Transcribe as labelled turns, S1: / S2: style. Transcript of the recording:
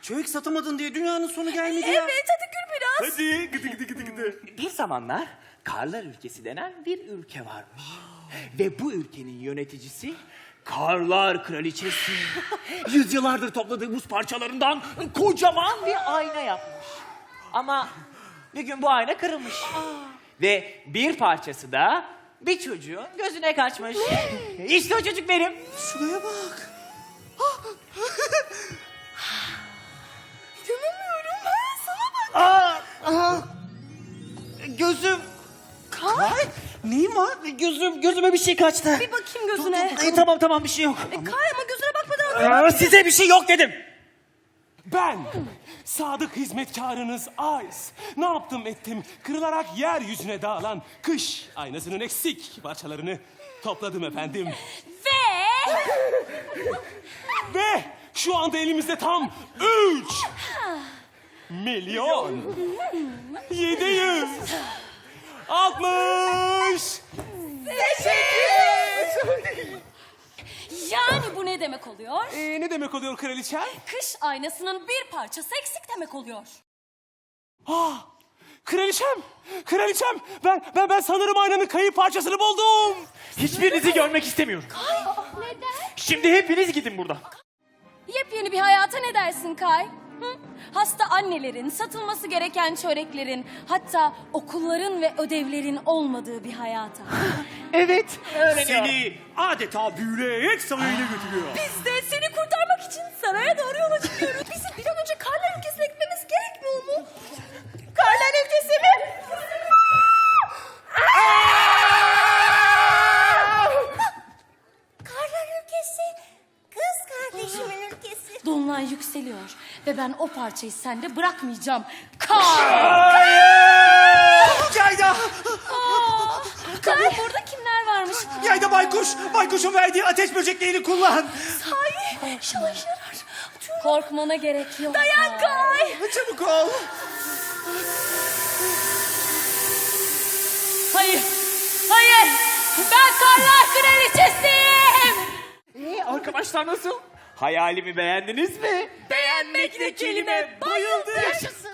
S1: Çörek satamadın diye dünyanın sonu gelmedi ya.
S2: Evet, hadi gül biraz.
S1: Hadi gıdı.
S3: Bir zamanlar Karlar Ülkesi denen bir ülke varmış. Ve bu ülkenin yöneticisi Karlar Kraliçesi. Yüzyıllardır topladığı buz parçalarından kocaman bir ayna yapmış. Ama bir gün bu ayna kırılmış. Ve bir parçası da bir çocuğun gözüne kaçmış. İşte o çocuk benim.
S1: Şuraya bak.
S2: İnanamıyorum, sana bak.
S3: Gözüm.
S1: Ay, neyin var?
S3: Gözüme bir şey kaçtı.
S2: Bir bakayım gözüne.
S3: Tamam bir şey yok.
S2: Kay ama gözüne bakmadan.
S3: Size bir şey yok dedim.
S4: Ben, sadık hizmetkarınız Ice. Ne yaptım ettim, kırılarak yeryüzüne dağılan kış aynasının eksik parçalarını topladım efendim. Ve şu anda elimizde tam 3 milyon 760.
S2: Yani bu ne demek oluyor?
S4: Ne demek oluyor kraliçem?
S2: Kış aynasının bir parçası eksik demek oluyor.
S4: Kraliçem, ben sanırım aynanın kayıp parçasını buldum.
S3: Hiçbirinizi görmek istemiyorum.
S2: Neden?
S3: Şimdi hepiniz gidin buradan.
S2: Yepyeni bir hayata ne dersin Kay? Hı? Hasta annelerin, satılması gereken çöreklerin, hatta okulların ve ödevlerin olmadığı bir hayata.
S3: Evet.
S1: Seni adeta büyüleyerek sarayına götürüyor.
S2: Biz de seni kurtarmak için saraya doğru yola çıkıyoruz. Bizim bir an önce Karlar Ülkesi'ne gitmemiz gerekmiyor mu? Karlar Ülkesi mi?
S5: Karlar ülkesi, kız kardeşimin ülkesi.
S2: Dolunay yükseliyor ve ben o parçayı sende bırakmayacağım. Kay!
S1: Yayda!
S2: Kay, burada kimler varmış?
S1: Yayda baykuş! Baykuşun verdiği ateş böceklerini kullan.
S2: Sahi, şalaş yarar. Korkmana gerek yok. Dayan Kay!
S1: Çabuk ol.
S2: Hayır, hayır! Ben Karlar Kraliçesiyim!
S3: Arkadaşlar nasıl? Hayalimi beğendiniz mi?
S2: Beğenmek ne kelime, bayıldım!
S5: Yaşasın.